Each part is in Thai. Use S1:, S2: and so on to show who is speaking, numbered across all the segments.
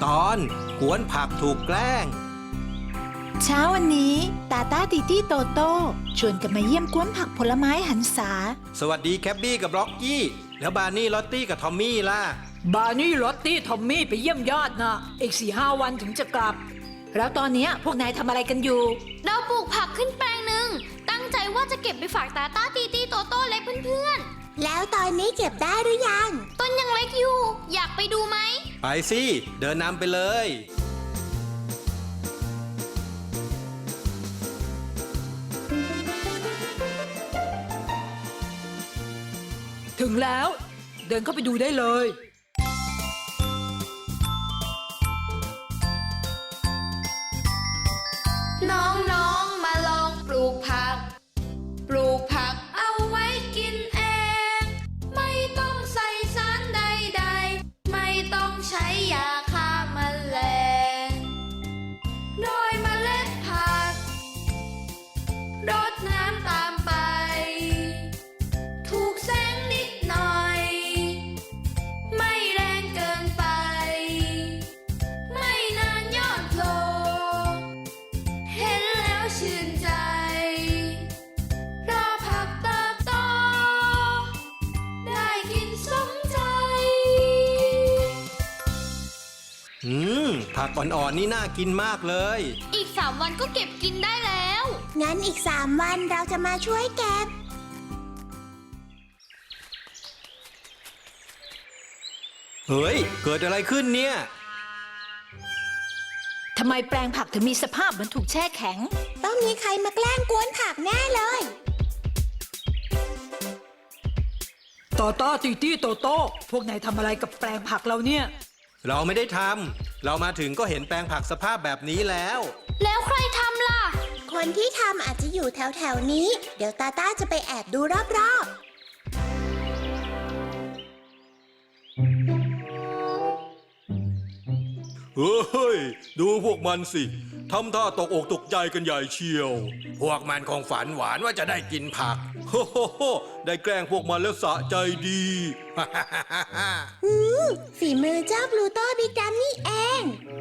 S1: ตอนกวนผักถูกแกล้ง
S2: เช้าวันนี้ตาตาติตี้โตโต้ชวนกันมาเยี่ยมกวนผักผลไม้หันษา
S1: สวัสดีแคบบี้กับล็อกกี้แล้วบาร์นี่ลอตตี้กับทอมมี่ล่ะ
S3: บาร์นี่ลอตตี้ทอมมี่ไปเยี่ยมญาตินะอีก 4-5 วันถึงจะกลับ
S2: แล้วตอนนี้พวกนายทำอะไรกันอยู่
S4: เราปลูกผักขึ้นแปลงหนึ่งตั้งใจว่าจะเก็บไปฝากตาตาตีตี้โตโต้เล็กเพื่อน
S5: ๆแล้วตอนนี้เก็บได้หรือยัง
S4: ต้นยังเล็กอยู่อยากไปดูไหม
S1: ไปสิเดินนำไปเลย
S3: ถึงแล้วเดินเข้าไปดูได้เลย
S4: น้องๆมาลองปลูกผักเอาไว้กินเองไม่ต้องใส่สารใดๆไม่ต้องใช้ยาฆ่าแมลงโรยเมล็ดผักรดน้ำตามไปถูกแสงนิดหน่อยไม่แรงเกินไปไม่นานยอดโผล่เห็นแล้วชื่นใจรอผักเติบโตได้กินสมใจ
S1: ผักอ่อนๆนี่น่ากินมากเลย
S4: อีก3 วันก็เก็บกินได้แล้ว
S5: งั้นอีก3 วันเราจะมาช่วยเก็บ
S1: เฮ้ยเกิดอะไรขึ้นเนี่ย
S2: ทำไมแปลงผักถึงมีสภาพเหมือนถูกแช่แข็ง
S5: ต้องมีใครมาแกล้งกวนผักแน่เลย
S3: ตาตาตีตี้โตโต้พวกนายทำอะไรกับแปลงผักเราเนี่ย
S1: เราไม่ได้ทำเรามาถึงก็เห็นแปลงผักสภาพแบบนี้แล้ว
S4: ใครทำล่ะ
S5: คนที่ทำอาจจะอยู่แถวๆนี้เดี๋ยวตาต้าจะไปแอบดูรอบๆ
S6: เฮ้ยดูพวกมันสิทำท่าตกอกตกใจกันใหญ่เชียว
S1: พวกมันคงฝันหวานว่าจะได้กินผัก
S6: โฮโฮโฮได้แกล้งพวกมันแล้วสะใจดี
S5: ฝีมือเจ้าพลูโตบิ๊กดัมนี่เอง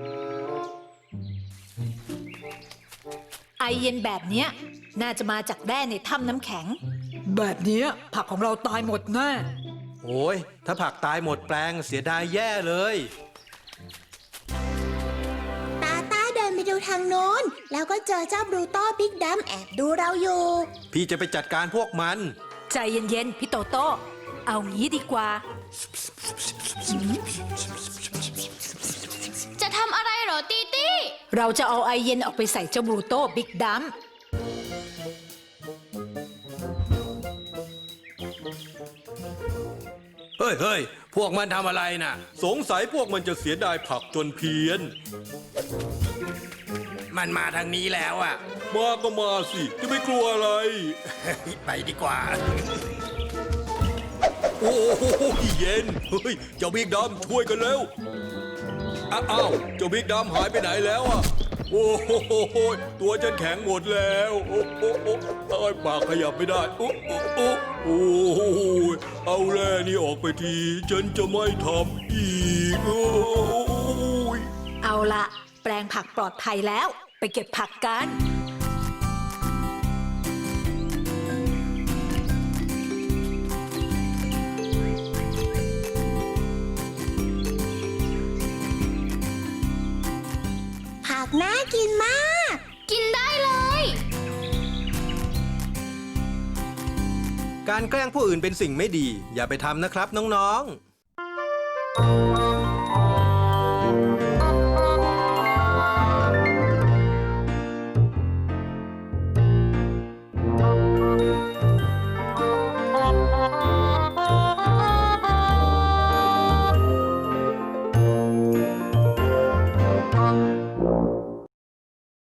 S2: ไอเย็นแบบเนี้ยน่าจะมาจากแร่ในถ้ำน้ำแข็ง
S3: แบบนี้ผักของเราตายหมดแน่
S1: โอ้ยถ้าผักตายหมดแปลงเสียดายแย่เลย
S5: ตาต้าเดินไปดูทางโน้นแล้วก็เจอเจ้าบลูโตบิ๊กดัมแอบดูเราอยู่
S1: พี่จะไปจัดการพวกมัน
S2: ใจเย็นๆพี่โตโต้เอางี้ดีกว่า
S4: จะทำอะไรเหรอตีตี้
S2: เราจะเอาไอเย็นออกไปใส่เจ้าบลูโตบิ๊กดัม
S1: เฮ้ยพวกมันทำอะไรน่ะ
S6: สงสัยพวกมันจะเสียดายผักจนเพี้ยน
S1: มันมาทางนี้แล้วอ่ะ
S6: มาก็มาสิจะไม่กลัวอะไร
S1: ไปดีกว่า
S6: โอ้โหเย็นเฮ้ยเจ้าบิ๊กดัมช่วยกันเร็วอ้าวเจ้าบิ๊กดัมหายไปไหนแล้วอ่ะโอ้โหตัวฉันแข็งหมดแล้วโอ้โหปากขยับไม่ได้โอ้โหเอาแร่นี่ออกไปทีฉันจะไม่ทำอีก
S2: เอาละแปลงผักปลอดภัยแล้วไปเก็บผักกัน
S5: ผักน่ากินมาก
S4: กินได้เลย
S1: การแกล้งผู้อื่นเป็นสิ่งไม่ดีอย่าไปทำนะครับน้องๆ